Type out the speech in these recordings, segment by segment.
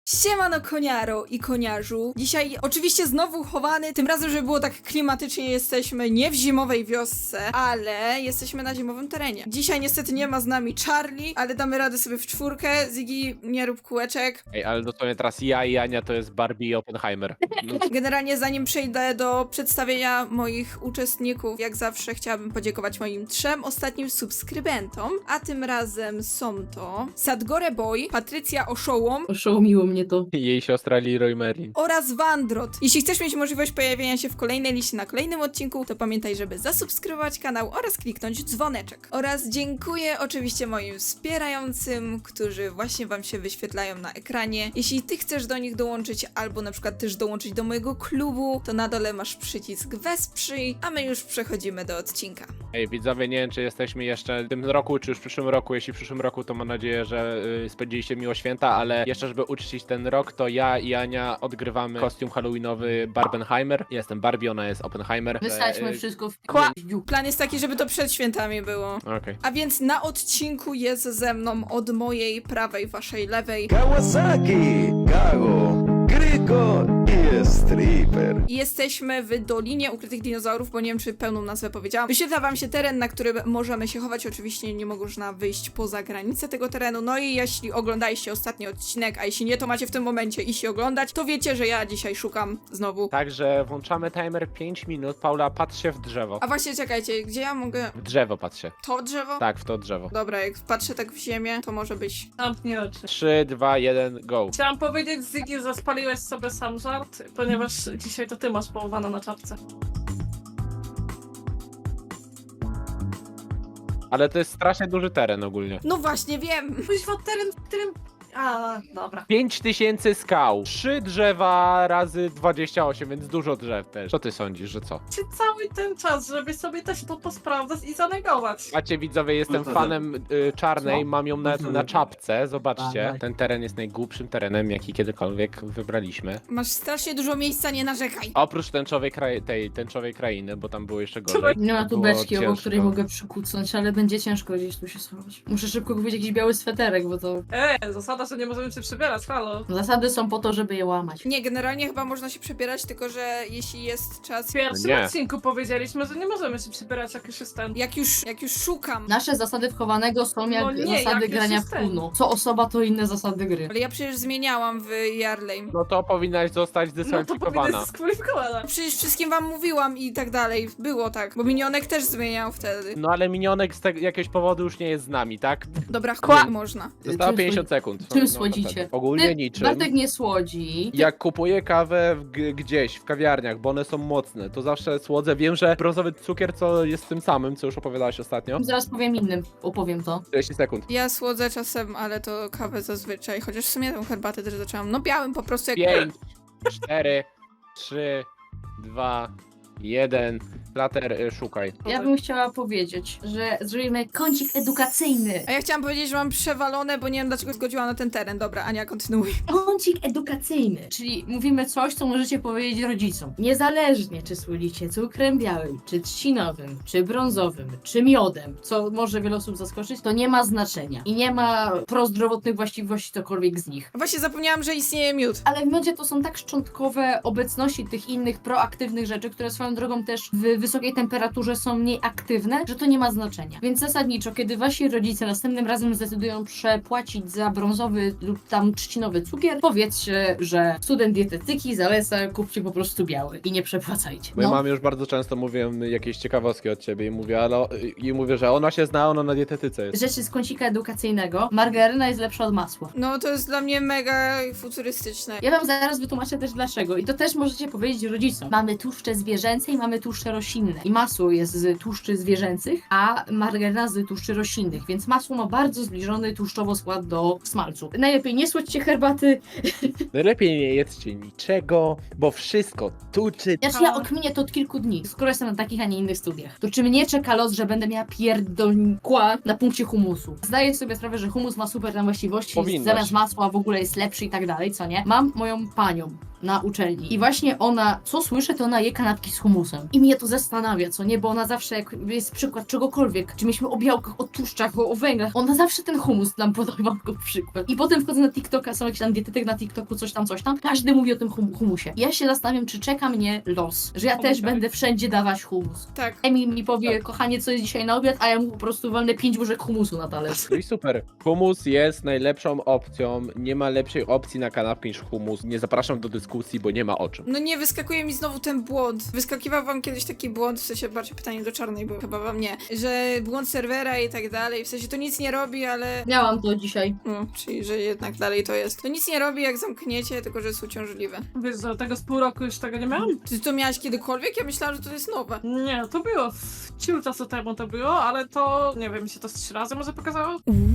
Siemano koniaro i koniarzu. Dzisiaj oczywiście znowu chowany, tym razem, żeby było tak klimatycznie, jesteśmy nie w zimowej wiosce, ale jesteśmy na zimowym terenie. Dzisiaj niestety nie ma z nami Charlie, ale damy radę sobie w czwórkę. Ziggy, nie rób kółeczek. Ej, ale dosłownie teraz ja i Ania to jest Barbie i Oppenheimer. No, Generalnie zanim przejdę do przedstawienia moich uczestników, jak zawsze chciałabym podziękować moim 3 ostatnim subskrybentom, a tym razem są to Sadgore Boy, Patrycja Oszołom Oszołomiło mnie to. jej siostra Leroy Merlin. oraz Wandrot. Jeśli chcesz mieć możliwość pojawienia się w kolejnej liście na kolejnym odcinku, to pamiętaj, żeby zasubskrybować kanał oraz kliknąć dzwoneczek. Oraz dziękuję oczywiście moim wspierającym, którzy właśnie wam się wyświetlają na ekranie. Jeśli ty chcesz do nich dołączyć, albo na przykład też dołączyć do mojego klubu, to na dole masz przycisk wesprzyj, a my już przechodzimy do odcinka. Ej, widzowie, nie wiem, czy jesteśmy jeszcze w tym roku, czy już w przyszłym roku. Jeśli w przyszłym roku, to mam nadzieję, że spędziliście miło święta, ale jeszcze, żeby uczcić ten rok, to ja i Ania odgrywamy kostium halloweenowy Barbenheimer. Ja jestem Barbie, ona jest Oppenheimer. Wysadźmy wszystko w Kła- piździu. Plan jest taki, żeby to przed świętami było. Okej. A więc na odcinku jest ze mną od mojej prawej, waszej lewej Kawasaki, Kago, Kryko i Stripper. i jesteśmy w Dolinie Ukrytych Dinozaurów, bo nie wiem, czy pełną nazwę powiedziałam. Wyświetla wam się teren, na którym możemy się chować. Oczywiście nie można wyjść poza granicę tego terenu. No i jeśli oglądaliście ostatni odcinek, a jeśli nie, to macie w tym momencie iść i oglądać, to wiecie, że ja dzisiaj szukam znowu. Także włączamy timer 5 minut. Paula, patrz się w drzewo. A właśnie, czekajcie, gdzie ja mogę... W drzewo patrz się. To drzewo? Tak, w to drzewo. Dobra, jak patrzę tak w ziemię, to może być... Zamknij oczy. 3, 2, 1, go. Chciałam powiedzieć, Ziggy, że spaliłeś sobie sam żart, ponieważ dzisiaj to ty masz połowana na czapce. Ale to jest strasznie duży teren ogólnie. No właśnie, wiem! Kuźwa, teren, w którym... A, dobra. 5000 skał, 3 drzewa razy 28, więc dużo drzew też. Co ty sądzisz, że co? Czy cały ten czas, żeby sobie też to posprawdzać i zanegować? Macie widzowie, jestem fanem czarnej, mam ją nawet na czapce, zobaczcie. Ten teren jest najgłupszym terenem, jaki kiedykolwiek wybraliśmy. Masz strasznie dużo miejsca, nie narzekaj. Oprócz tęczowej krainy, bo tam było jeszcze gorzej. Nie ma tu Było beczki, obok ciężko. której mogę przykucnąć, ale będzie ciężko gdzieś tu się schować. Muszę szybko kupić jakiś biały sweterek, bo to... Zasada, że nie możemy się przybierać, halo. Zasady są po to, żeby je łamać. Nie, generalnie chyba można się przebierać, tylko że jeśli jest czas... W pierwszym Nie. odcinku powiedzieliśmy, że nie możemy się przybierać, jak już jest ten. Jak już szukam. Nasze zasady wchowanego są jak No nie, zasady jak grania już w jest ten. Uno. Co osoba, to inne zasady gry. Ale ja przecież zmieniałam w Yarley. No to powinnaś zostać No to zdyskwalifikowana. powinna dyskwalifikowana. Przecież wszystkim wam mówiłam i tak dalej. Było tak, bo minionek też zmieniał wtedy. No ale minionek z jakiegoś powodu już nie jest z nami, tak? Dobra, można. Zostało Czym 50 sekund. czym No, słodzicie? Ogólnie niczym. Bartek nie słodzi. Jak kupuję kawę gdzieś, w kawiarniach, bo one są mocne, to zawsze słodzę. Wiem, że brązowy cukier, co jest tym samym, co już opowiadałaś ostatnio. Zaraz powiem innym, opowiem to. 40 sekund. Ja słodzę czasem, ale to kawę zazwyczaj. Chociaż w sumie tę herbatę też zaczęłam. No białym po prostu jak... 5, 4, 3, 2, 1. Plater, szukaj. Ja bym chciała powiedzieć, że zrobimy kącik edukacyjny. A ja chciałam powiedzieć, że mam przewalone, bo nie wiem dlaczego zgodziłam na ten teren. Dobra, Ania, kontynuuj. Kącik edukacyjny, czyli mówimy coś, co możecie powiedzieć rodzicom. Niezależnie, czy słodzicie cukrem białym, czy trzcinowym, czy brązowym, czy miodem, co może wiele osób zaskoczyć, to nie ma znaczenia. I nie ma prozdrowotnych właściwości cokolwiek z nich. Właśnie zapomniałam, że istnieje miód. Ale w miodzie to są tak szczątkowe obecności tych innych proaktywnych rzeczy, które swoją drogą też w wysokiej temperaturze są mniej aktywne, że to nie ma znaczenia. Więc zasadniczo, kiedy wasi rodzice następnym razem zdecydują przepłacić za brązowy lub tam trzcinowy cukier, powiedzcie, że student dietetyki zaleca, kupcie po prostu biały i nie przepłacajcie. Bo ja mam już bardzo często mówię jakieś ciekawostki od ciebie i mówię, mówię, że ona się zna, ona na dietetyce jest. Rzeczy z kącika edukacyjnego, margaryna jest lepsza od masła. No to jest dla mnie mega futurystyczne. Ja wam zaraz wytłumaczę też dlaczego. I to też możecie powiedzieć rodzicom. Mamy tłuszcze zwierzęce i mamy tłuszcze roślinne. I masło jest z tłuszczy zwierzęcych, a margaryna z tłuszczy roślinnych, więc masło ma bardzo zbliżony tłuszczowo skład do smalcu. Najlepiej nie słodźcie herbaty. Najlepiej nie jedzcie niczego, bo wszystko tuczy. Znaczy ja okminię to od kilku dni, skoro jestem na takich, a nie innych studiach. To czy mnie czeka los, że będę miała pierdolnikła na punkcie humusu? Zdaję sobie sprawę, że humus ma super tam właściwości, Powinnaś. zamiast masła w ogóle jest lepszy i tak dalej, co nie? Mam moją panią, na uczelni. I właśnie ona, co słyszę, to ona je kanapki z humusem. I mnie to zastanawia, co nie? Bo ona zawsze, jak jest przykład czegokolwiek, czy mieliśmy o białkach, o tłuszczach, o węglach, ona zawsze ten humus nam podawa jako przykład. I potem wchodzę na TikToka, są jakieś tam dietetyk na TikToku, coś tam. Każdy mówi o tym humusie. Ja się zastanawiam, czy czeka mnie los, że ja też będę wszędzie dawać humus. Tak. Emil mi powie, kochanie, co jest dzisiaj na obiad, a ja mu po prostu walnę 5 łyżek humusu na talerz. No i super. Humus jest najlepszą opcją. Nie ma lepszej opcji na kanapkę niż humus. Nie zapraszam do dyskusji, bo nie ma o czym. No nie, wyskakuje mi znowu ten błąd. Wyskakiwał wam kiedyś taki błąd, w sensie bardziej pytanie do Czarnej, bo chyba wam nie, że błąd serwera i tak dalej, w sensie to nic nie robi, ale... Miałam to dzisiaj. No, czyli że jednak dalej to jest. To nic nie robi, jak zamkniecie, tylko że jest uciążliwe. Wiesz, że tego z pół roku już tego nie miałam? Ty to miałaś kiedykolwiek? Ja myślałam, że to jest nowe. Nie, to było. Ciul czasu temu to było, ale to, nie wiem, mi się to z 3 razy może pokazało?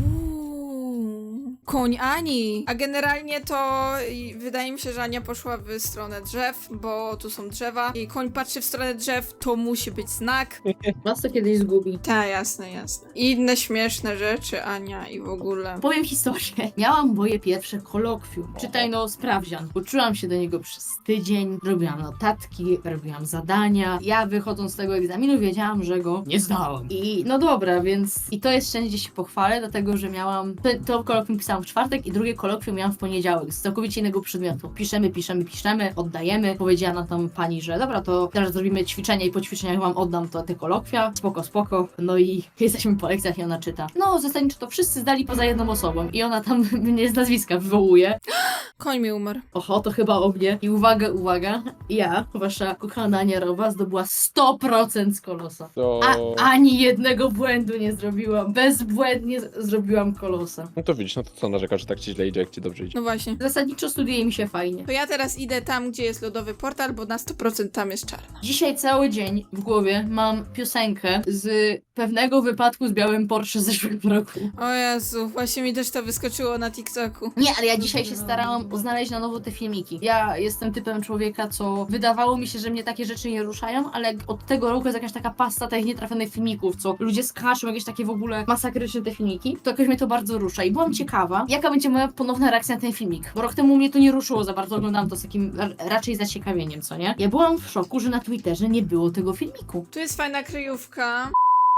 Koń Ani. A generalnie to wydaje mi się, że Ania poszła w stronę drzew, bo tu są drzewa i koń patrzy w stronę drzew, to musi być znak. Was to kiedyś zgubi. Tak, jasne, jasne. I inne śmieszne rzeczy, Ania, i w ogóle. Powiem historię. Miałam moje pierwsze kolokwium. Czytaj no sprawdzian. Uczyłam się do niego przez tydzień, robiłam notatki, robiłam zadania. Ja wychodząc z tego egzaminu wiedziałam, że go nie zdałam. I no dobra, więc i to jest szczęście się pochwalę, dlatego że miałam to kolokwium pisałam w czwartek i drugie kolokwium miałam w poniedziałek z całkowicie innego przedmiotu. Piszemy, oddajemy. Powiedziała nam tam pani, że dobra, to teraz zrobimy ćwiczenia i po ćwiczeniach wam oddam te kolokwia. Spoko. No i jesteśmy po lekcjach i ona czyta. No, zasadniczo to wszyscy zdali poza jedną osobą i ona tam mnie z nazwiska wywołuje. Koń mi umarł. Oho, to chyba o mnie. I uwaga, ja, wasza kochana Ania Rowa, zdobyła 100% z kolosa. To... Ani jednego błędu nie zrobiłam. Bezbłędnie zrobiłam kolosa. No to widzisz, no to co narzekasz, że tak ci źle idzie, jak ci dobrze idzie. No właśnie. Zasadniczo studiuje mi się fajnie. To ja teraz idę tam, gdzie jest lodowy portal, bo na 100% tam jest czarna. Dzisiaj cały dzień w głowie mam piosenkę z pewnego wypadku z białym Porsche z zeszłego roku. O Jezu, właśnie mi też to wyskoczyło na TikToku. Nie, ale ja dzisiaj się starałam znaleźć na nowo te filmiki. Ja jestem typem człowieka, co wydawało mi się, że mnie takie rzeczy nie ruszają, ale od tego roku jest jakaś taka pasta tych nietrafionych filmików, co ludzie skaczą, jakieś takie w ogóle masakryczne te filmiki, to jakoś mnie to bardzo rusza i byłam ciekawa, jaka będzie moja ponowna reakcja na ten filmik, bo rok temu mnie to nie ruszyło za bardzo, oglądałam to z takim raczej zaciekawieniem, co nie? Ja byłam w szoku, że na Twitterze nie było tego filmiku. Tu jest fajna kryjówka.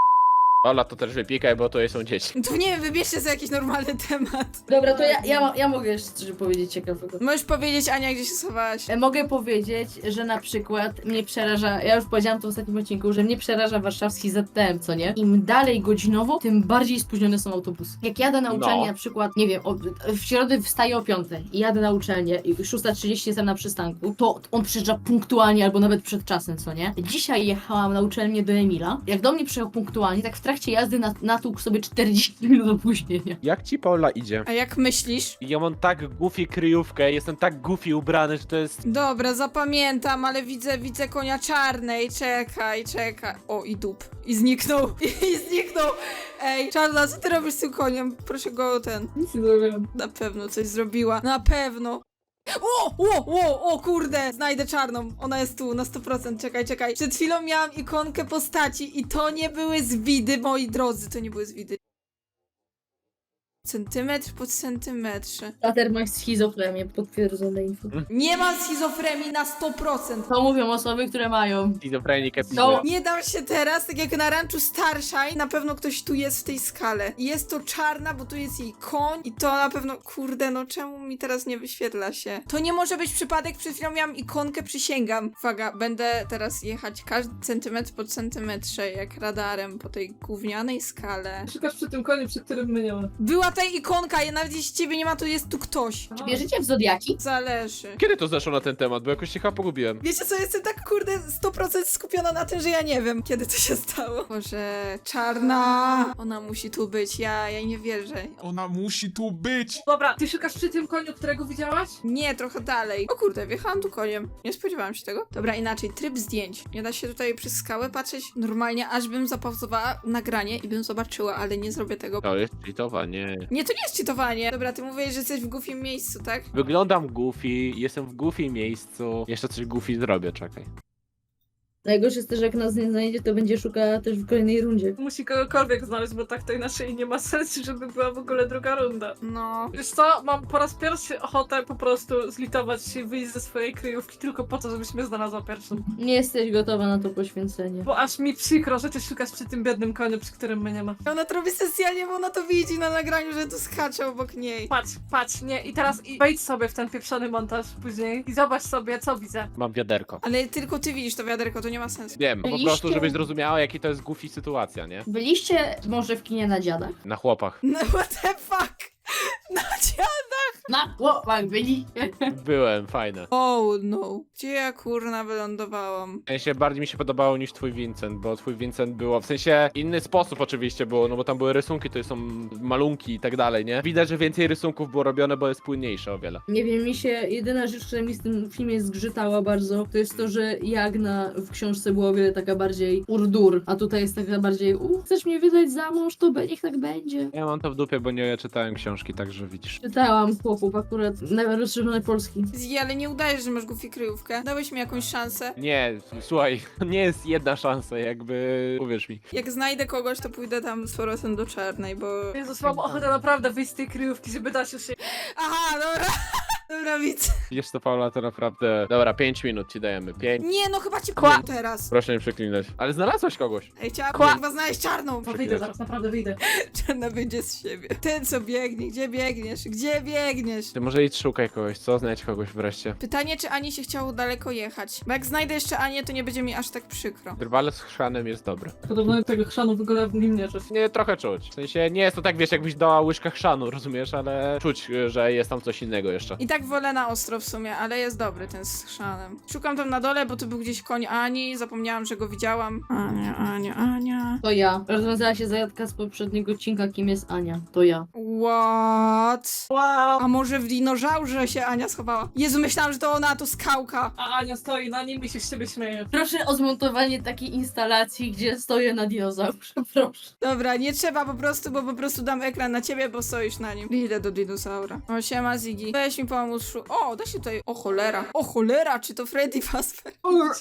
Ola, to też wypikaj, bo to są dzieci. Tu nie wiem, wybierzcie sobie jakiś normalny temat. Dobra, to ja mogę jeszcze coś powiedzieć ciekawego. Możesz powiedzieć, Ania, gdzie się schowałaś. Mogę powiedzieć, że na przykład mnie przeraża, ja już powiedziałam to w ostatnim odcinku, że mnie przeraża warszawski ZTM, co nie? Im dalej godzinowo, tym bardziej spóźnione są autobusy. Jak jadę na uczelnię, na przykład, nie wiem, w środę wstaję o 5 i jadę na uczelnię i 6:30 jestem na przystanku, to on przyjeżdża punktualnie albo nawet przed czasem, co nie? Dzisiaj jechałam na uczelnię do Emila, jak do mnie przyjechał punktualnie, tak w trakcie jazdy natłukł sobie 40 minut opóźnienia. Jak ci Paula idzie? A jak myślisz? Ja mam tak goofy kryjówkę, jestem tak goofy ubrany, że to jest... Dobra, zapamiętam, ale widzę konia czarnej. Czekaj. O, i dup. I zniknął. I zniknął. Ej, Czarna, co ty robisz z tym koniem? Proszę go Nic nie zrobiłam. Na pewno coś zrobiła. Na pewno. O, kurde! Znajdę czarną. Ona jest tu, na 100%. Czekaj. Przed chwilą miałam ikonkę postaci i to nie były zwidy, moi drodzy. To nie były zwidy. Centymetr po centymetrze. Tater ma schizofrenię, potwierdzone info. Nie mam schizofrenii na 100%. To mówią osoby, które mają. Schizofrenikę No. Nie dam się teraz, tak jak na ranczu Starshine, na pewno ktoś tu jest w tej skale. I jest to czarna, bo tu jest jej koń i to na pewno, kurde, no czemu mi teraz nie wyświetla się? To nie może być przypadek, przed chwilą miałam ikonkę, przysięgam. Uwaga, będę teraz jechać każdy centymetr po centymetrze, jak radarem po tej gównianej skale. Szukasz przy tym koniu, przy którym my nie ma. Była ta ikonka, ja nawet jeśli ciebie nie ma, to jest tu ktoś. Czy wierzycie w zodiaki? Zależy. Kiedy to zeszło na ten temat? Bo jakoś się chyba pogubiłem. Wiecie co, jestem tak kurde 100% skupiona na tym, że ja nie wiem, kiedy to się stało. Boże, czarna, ona musi tu być, ja jej nie wierzę. Ona musi tu być! Dobra, ty szukasz przy tym koniu, którego widziałaś? Nie, trochę dalej. O kurde, wjechałam tu koniem. Nie spodziewałam się tego. Dobra, inaczej, tryb zdjęć. Nie da się tutaj przez skałę patrzeć normalnie, aż bym zapauzowała nagranie i bym zobaczyła, ale nie zrobię tego. To jest cheatowanie. Nie, to nie jest cheatowanie. Dobra, ty mówisz, że jesteś w goofim miejscu, tak? Wyglądam goofy, jestem w goofy miejscu. Jeszcze coś goofy zrobię, czekaj. Najgorsze jest też, jak nas nie znajdzie, to będzie szukała też w kolejnej rundzie. Musi kogokolwiek znaleźć, bo tak to inaczej nie ma sensu, żeby była w ogóle druga runda. No. Wiesz co, mam po raz pierwszy ochotę po prostu zlitować się i wyjść ze swojej kryjówki tylko po to, żebyś mnie znalazła pierwszą. Nie jesteś gotowa na to poświęcenie. Bo aż mi przykro, że ty szukasz przy tym biednym koniu, przy którym mnie nie ma. Ona to robi specjalnie, bo ona to widzi na nagraniu, że tu skacze obok niej. Patrz, nie, i teraz wejdź sobie w ten pieprzony montaż później i zobacz sobie, co widzę. Mam wiaderko. Ale tylko ty widzisz to wiaderko, to nie ma sensu. Wiem, po Byliście- prostu, żebyś zrozumiała, jaki to jest goofy sytuacja, nie? Byliście może w kinie na dziadach? Na chłopach. No what the fuck? No Na chłopach byli. Byłem, fajne. Oh no. Gdzie ja kurna wylądowałam? W sensie bardziej mi się podobało niż twój Vincent, bo twój Vincent było, w sensie inny sposób oczywiście było, no bo tam były rysunki, to są malunki i tak dalej, nie? Widać, że więcej rysunków było robione, bo jest płynniejsze o wiele. Nie wiem, mi się jedyna rzecz, która mi z tym filmie zgrzytała bardzo, to jest to, że Jagna w książce była o wiele taka bardziej urdur, a tutaj jest taka bardziej chcesz mnie wydać za mąż, to niech tak będzie. Ja mam to w dupie, bo nie czytałem książki, także widzisz. Czytałam chłopów akurat na rozszerzone polski. Zji, ale nie udajesz, że masz goofy kryjówkę. Dałeś mi jakąś szansę. Nie, słuchaj, nie jest jedna szansa, jakby, uwierz mi. Jak znajdę kogoś, to pójdę tam z powrotem do czarnej, bo... Jezus, mam ochotę naprawdę wyjść z tej kryjówki, żeby dać już się... Aha, dobra. Dobra, widzę. Wiesz to, Paula, to naprawdę... Dobra, 5 minut ci dajemy, 5. Nie, no chyba ci Kła- powiem teraz. Proszę nie przeklinać. Ale znalazłeś kogoś. Ej, chciałam Kła- chyba znaleźć czarną. No wyjdę zaraz, naprawdę wyjdę. Czarna wyjdzie z siebie. Ten co biegnie, gdzie biegniesz? Gdzie biegniesz? Ty może idź szukaj kogoś, co? Znajdź kogoś wreszcie. Pytanie, czy Ani się chciało daleko jechać. Bo jak znajdę jeszcze Anię, to nie będzie mi aż tak przykro. Drwale z chrzanem jest dobre. Podobno tego chrzanu w ogóle w nim nie czuć. Nie, trochę czuć. W sensie nie jest to tak, wiesz, jakbyś dała łyżkę chrzanu, rozumiesz, ale czuć, że jest tam coś innego jeszcze. I tak wolę na ostro w sumie, ale jest dobry ten z chrzanem. Szukam tam na dole, bo tu był gdzieś koń Ani, zapomniałam, że go widziałam. Ania. To ja. Rozwiązała się zagadka z poprzedniego odcinka, kim jest Ania. To ja. What? Wow! A może w dinożaurze się Ania schowała? Jezu, myślałam, że to ona, to skałka. A Ania stoi na nim i się z ciebie śmieje. Proszę o zmontowanie takiej instalacji, gdzie stoję na dinozaurze, proszę. Dobra, nie trzeba po prostu, bo po prostu dam ekran na ciebie, bo stoisz na nim. Idę do dinozaura. O, siema Ziggy. Weź mi pomóc. O, da się tutaj... O cholera, czy to Freddy Fazbear?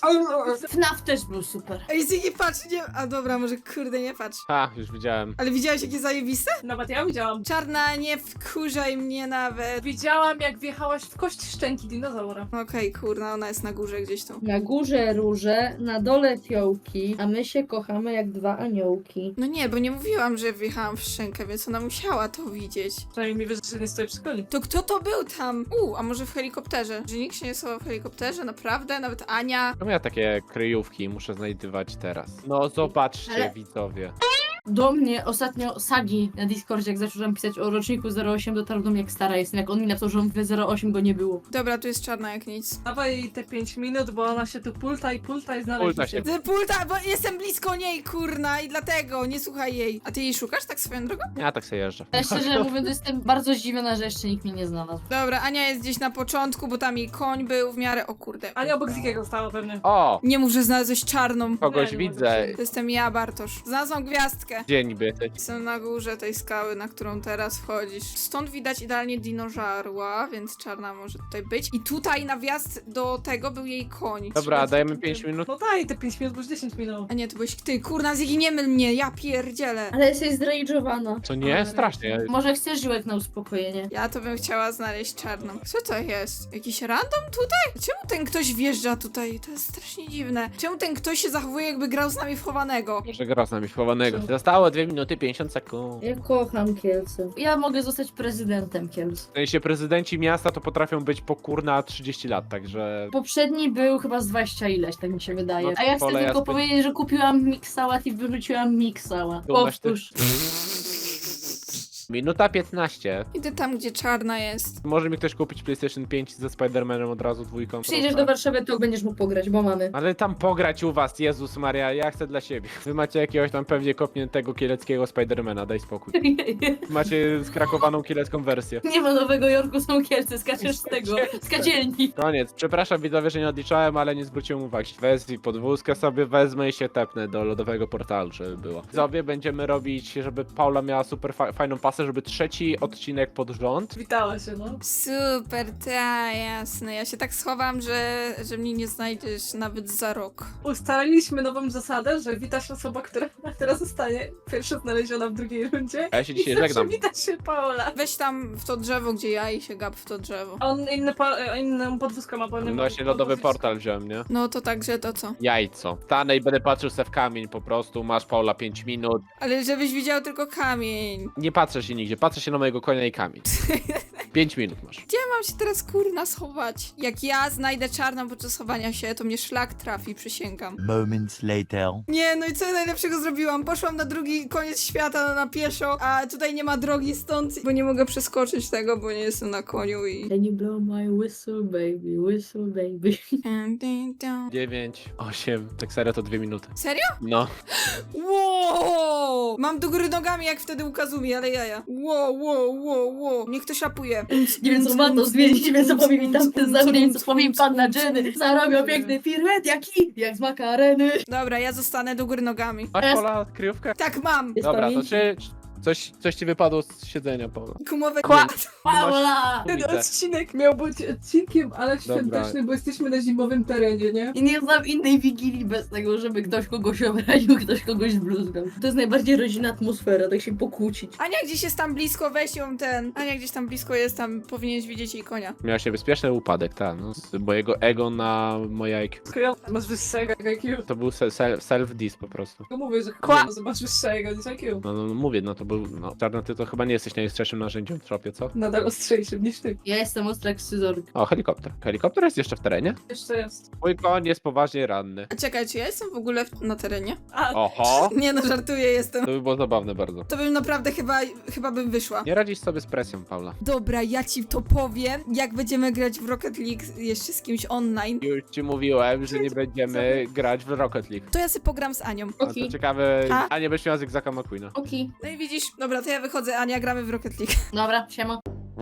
FNAF też był super. Ej, Ziggy, patrz, nie... A dobra, może kurde, nie patrz. Ha, już widziałem. Ale widziałeś, jakie zajebiste? Nawet ja widziałam. Czarna, nie wkurzaj mnie nawet. Widziałam, jak wjechałaś w kość szczęki dinozaura. Okej, kurna, ona jest na górze gdzieś tu. Na górze róże, na dole fiołki, a my się kochamy jak dwa aniołki. No nie, bo nie mówiłam, że wjechałam w szczękę, więc ona musiała to widzieć. Przynajmniej mi wiesz, że nie stoi przy koniu. To kto to był tam? A może w helikopterze? Że nikt się nie schował w helikopterze? Naprawdę? Nawet Ania? Czemu ja takie kryjówki muszę znajdywać teraz? No zobaczcie, Ale- widzowie. Do mnie ostatnio Sagi na Discordzie, jak zacząłem pisać o roczniku 08, dotarł do mnie, jak stara jestem, jak on mi napisał, że on w 08 go nie było. Dobra, tu jest czarna jak nic. Dawaj jej te 5 minut, bo ona się tu pulta i znaleźć Pulta się. Ty pulta, bo jestem blisko niej, kurna, i dlatego nie słuchaj jej. A ty jej szukasz tak swoją drogą? Ja tak sobie jeżdżę. Ale szczerze mówiąc, jestem bardzo zdziwiona, że jeszcze nikt mnie nie znalazł. Dobra, Ania jest gdzieś na początku, bo tam jej koń był w miarę... O kurde. Ania obok Zikiego stała pewnie. O! Nie mów, że znalazłeś czarną. Kogoś Nie widzę. To jestem ja, Bartosz. Znalazłam gwiazdkę. Gdzie niby? Jestem na górze tej skały, na którą teraz wchodzisz. Stąd widać idealnie dinożarła, więc czarna może tutaj być. I tutaj na wjazd do tego był jej koń. Dobra, dajemy 5 minut. No daj te 5 minut, bo już 10 minut. A nie, to byłeś ty. Kurna, Ziggy, nie myl mnie, ja pierdzielę. Ale jesteś zrage'owana. Co nie? Strasznie. Może chcesz żyłek na uspokojenie? Ja to bym chciała znaleźć czarną. Co to jest? Jakiś random tutaj? Czemu ten ktoś wjeżdża tutaj? To jest strasznie dziwne. Czemu ten ktoś się zachowuje, jakby grał z nami w chowanego? Może gra z nami chowanego. Zostało 2 minuty 50 sekund. Ja kocham Kielce. Ja mogę zostać prezydentem Kielc. W sensie prezydenci miasta to potrafią być po kurna 30 lat, także... Poprzedni był chyba z 20 ileś, tak mi się wydaje. No, A ja chcę wolę tylko ja powiedzieć, że kupiłam miksałat i wyrzuciłam miksała. Dumnaś ty? Powtórz. Minuta 15. Idę tam, gdzie czarna jest. Może mi ktoś kupić PlayStation 5 ze Spider-Manem od razu dwójką? Przyjedziesz proszę. do Warszawy, to będziesz mógł pograć, bo mamy. Ale tam pograć u was, Jezus Maria, ja chcę dla siebie. Wy macie jakiegoś tam pewnie kopniętego kieleckiego Spidermana, daj spokój. Macie skrakowaną kielecką wersję. Nie ma Nowego Jorku, są Kielce, skaczesz z tego, z kadzielni. Koniec. Przepraszam widzowie, że nie odliczałem, ale nie zwróciłem uwagi. Weź podwózkę sobie, wezmę i się tepnę do lodowego portalu, żeby było. Widzowie będziemy robić, żeby Paula miała super fajną pasę szansę, żeby trzeci odcinek pod rząd. Witała się, no. Super, ta, jasne. Ja się tak schowam, że mnie nie znajdziesz nawet za rok. Ustaliliśmy nową zasadę, że wita się osoba, która zostanie pierwsza znaleziona w drugiej rundzie. A ja się dzisiaj I zawsze żegnam. wita się Paola. Weź tam w to drzewo, gdzie ja i się gap w to drzewo. A on inną podwózkę ma, bo nie No ma właśnie lodowy podwózki. portal wziąłem, nie? No to także to co? Jajco. Stanę i będę patrzył se w kamień po prostu. Masz, Paula, 5 minut. Ale żebyś widział tylko kamień. Nie patrzę się nigdzie, patrzę się na mojego konia i kamień. 5 minut masz. Gdzie mam się teraz kurna schować? Jak ja znajdę czarną podczas chowania się, to mnie szlak trafi, przysięgam. Moments later. Nie, no i co ja najlepszego zrobiłam? Poszłam na drugi koniec świata na pieszo, a tutaj nie ma drogi stąd, bo nie mogę przeskoczyć tego, bo nie jestem na koniu i... Can you blow my whistle, baby? 9, 8, tak serio to 2 minuty. Serio? No. Wow! Mam do góry nogami jak wtedy u Kazumi, ale jaja. Wow. Niech ktoś rapuje. Nie wiem co ma to zmienić, nie wiem co powie mi tamten za mnie, co powie mi panna Jenny. Zarobią piękny piruet, jak z makareny. Dobra, ja zostanę do góry nogami. Masz, Paula, kryjówkę? Tak mam! Jest Dobra, to pamięć? czy coś ci wypadło z siedzenia, Paula? Gumowe Paula! Ten Widzę. odcinek miał być odcinkiem, ale świątecznym, bo jesteśmy na zimowym terenie, nie? I nie znam innej wigilii bez tego, żeby ktoś kogoś obraził, ktoś kogoś zbluzgał. To jest najbardziej rodzinna atmosfera, tak się pokłócić. Ania gdzieś jest tam blisko, weź ją ten. Ania gdzieś tam blisko jest, tam powinieneś widzieć jej konia. Miał się bezpieczny upadek, tak, no, z mojego ego na moje IQ. Tylko masz wyższego IQ. To był self-diss po prostu. Tylko mówię, że masz wyższego niż IQ. No, mówię, no to był, no, Czarna, ty to chyba nie jesteś najostrzejszym narzędziem w tropie, co? Nadal ostrzejszym niż ty. Ja jestem ostra jak scyzoryk. O, helikopter. Helikopter jest jeszcze w terenie? Jeszcze jest. Mój koń jest poważnie ranny. A czekaj, czy ja jestem w ogóle na terenie? A, Oho! Nie no, żartuję, jestem. To by było zabawne bardzo. To bym naprawdę chyba bym wyszła. Nie radzisz sobie z presją, Paula. Dobra, ja ci to powiem, jak będziemy grać w Rocket League jeszcze z kimś online. Już ci mówiłem, że nie będziemy grać w Rocket League. To ja sobie pogram z Anią. A to Okej. ciekawe, A? a nie będziesz miała Zygzaka McQueena. Okej. No i widzisz, dobra, to ja wychodzę, Ania, gramy w Rocket League. Dobra, siema.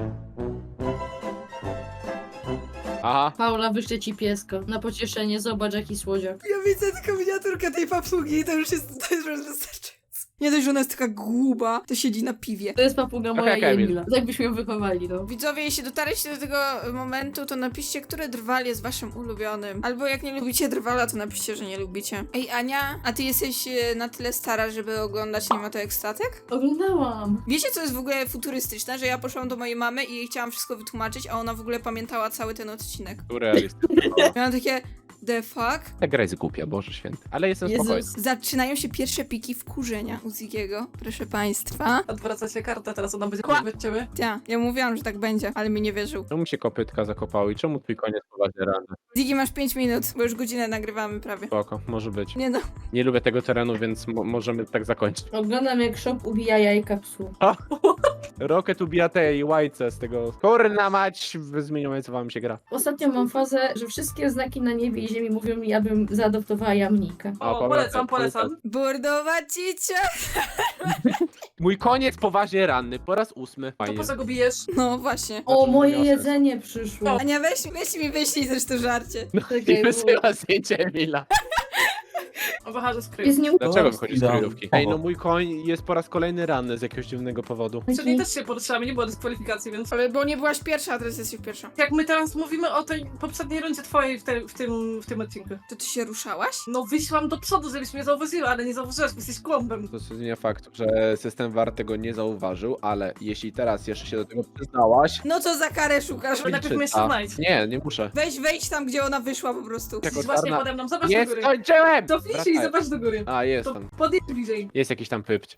Aha. Paula, wyślę ci pieska. Na pocieszenie, zobacz jaki słodziak. Ja widzę tylko miniaturkę tej papugi i to już jest wystarczające. Nie dość, że ona jest taka głuba, to siedzi na piwie. To jest papuga moja Okej, i Emil. Emila. Tak byśmy ją wychowali, no. Widzowie, jeśli dotarliście do tego momentu, to napiszcie, który drwal jest waszym ulubionym. Albo jak nie lubicie drwala, to napiszcie, że nie lubicie. Ej, Ania, a ty jesteś na tyle stara, żeby oglądać Nie ma to jak statek? Oglądałam. Wiecie, co jest w ogóle futurystyczne? Że ja poszłam do mojej mamy i jej chciałam wszystko wytłumaczyć, a ona w ogóle pamiętała cały ten odcinek. Surrealistyczne. Miałam takie, the fuck? Ta gra jest głupia, Boże święty. Ale jestem Jezus. spokojny. Zaczynają się pierwsze piki wkurzenia u Zigiego, proszę państwa. odwracacie kartę, teraz ona będzie od ciebie. Ja mówiłam, że tak będzie, ale mi nie wierzył. Czemu się kopytka zakopały i czemu twój koniec poważnie ranny? Ziggy, masz 5 minut, bo już godzinę nagrywamy prawie. Spoko, może być. Nie no. Nie lubię tego terenu, więc możemy tak zakończyć. Oglądam jak shop ubija jajka psu. Rocket ubija tej łajce z tego. Kurna mać, zmieniając wam się gra. Ostatnio mam fazę, że wszystkie znaki na niebie i ziemi mówią mi, abym zaadoptowała jamnika. O, polecam. Bordowa cicia! Mój koniec poważnie ranny, po raz 8. To Fajnie. po co go bijesz? No właśnie. O, Znaczy, moje wyniosę. jedzenie przyszło. Ania, weź mi wyślij zresztą żarcie. No Czekaj, i wysyła zdjęcie Emila. O, wychodzę z kryju. Jest nie Dlaczego wychodzisz z Dam. kryjówki? Ej, no mój koń jest po raz kolejny ranny z jakiegoś dziwnego powodu. Czyli też się poruszamy, nie było dyskwalifikacji, więc... Ale bo nie byłaś pierwsza, a teraz jesteś pierwsza. Jak my teraz mówimy o tej poprzedniej rundzie twojej w tym odcinku. To ty się ruszałaś? No wyszłam do przodu, żebyś mnie zauważyła, ale nie zauważyłaś, bo jesteś kłąbem. To zmienia fakt, że system VAR tego nie zauważył, ale jeśli teraz jeszcze się do tego przyznałaś... No co za karę szukasz? To najpierw mnie jeszcze A, znajdź. nie muszę. Wejdź tam, gdzie ona wyszła po prostu. Jako Jesteś właśnie czarna- pode mną, zobacz do Nie góry. skończyłem! To wliczy i Wracaj. zobacz do góry. A, jest To tam. podjedź bliżej. Jest jakiś tam pypć.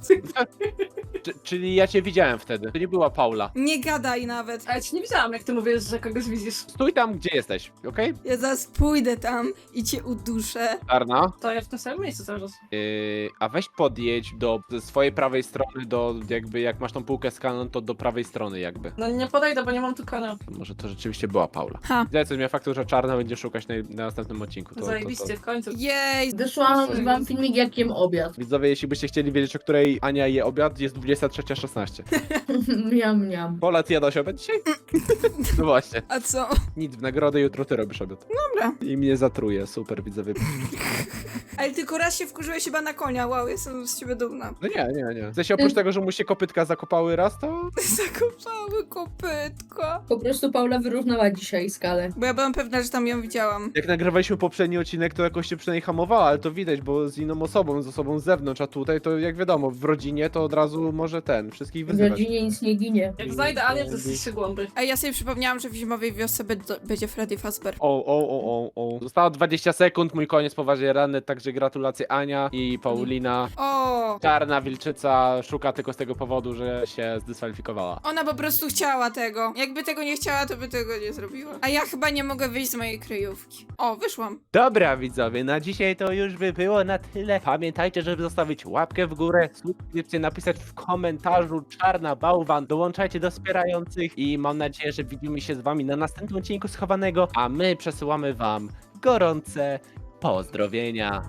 Czyli ja cię widziałem wtedy. To nie była Paula. Nie gadaj nawet. A ja ci nie widziałam, jak ty mówisz, że kogoś widzisz. Stój tam, gdzie jesteś, okej? Ja zaraz pójdę tam i cię uduszę. Czarna. To ja w tym samym miejscu cały czas. A weź podjedź do swojej prawej strony, do jakby jak masz tą półkę z kanon, to do prawej strony jakby. No nie podejdę, bo nie mam tu kanału. Może to rzeczywiście była Paula. Ha. Widzę, co zmienia faktu, że Czarna będzie szukać na następnym odcinku. Zajebiście, w końcu. Jej, Wysłałam wam filmik, jak jem obiad. Widzowie, jeśli byście chcieli wiedzieć, o której Ania je obiad, jest 23:16. Miam, miam. Pola, ty jadłaś obiad dzisiaj? No właśnie. A co? Nic, w nagrodę jutro ty robisz obiad. Dobra. I mnie zatruje, super, widzowie. Ale tylko raz się wkurzyłeś chyba na konia, wow, jestem z ciebie dumna. No nie. W sensie oprócz tego, że mu się kopytka zakopały raz, to... Zakopały kopytko. Po prostu Paula wyrównała dzisiaj skalę. Bo ja byłam pewna, że tam ją widziałam. Jak nagrywaliśmy poprzedni odcinek, to jakoś się przynajmniej hamowała, ale to widać, bo z inną osobą, z osobą z zewnątrz, a tutaj to jak wiadomo, w rodzinie to od razu może wszystkich W wyzywać. rodzinie nic nie ginie. Jak znajdę Anię, to jesteście głąby. A ja sobie przypomniałam, że w zimowej wiosce będzie Freddy Fazbear. O. Zostało 20 sekund, mój koniec poważnie ranny, także gratulacje Ania i Paulina. O! Czarna wilczyca szuka tylko z tego powodu, że się zdyskwalifikowała. Ona po prostu chciała tego. Jakby tego nie chciała, to by tego nie zrobiła. A ja chyba nie mogę wyjść z mojej kryjówki. O, wyszłam. Dobra widzowie, na dzisiaj to już by było na tyle. Pamiętajcie, żeby zostawić łapkę w górę, subskrypcję, napisać w komentarzu czarna bałwan, dołączajcie do wspierających i mam nadzieję, że widzimy się z wami na następnym odcinku Schowanego, a my przesyłamy wam gorące pozdrowienia.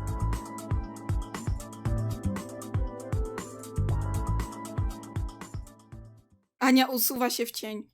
Ania usuwa się w cień.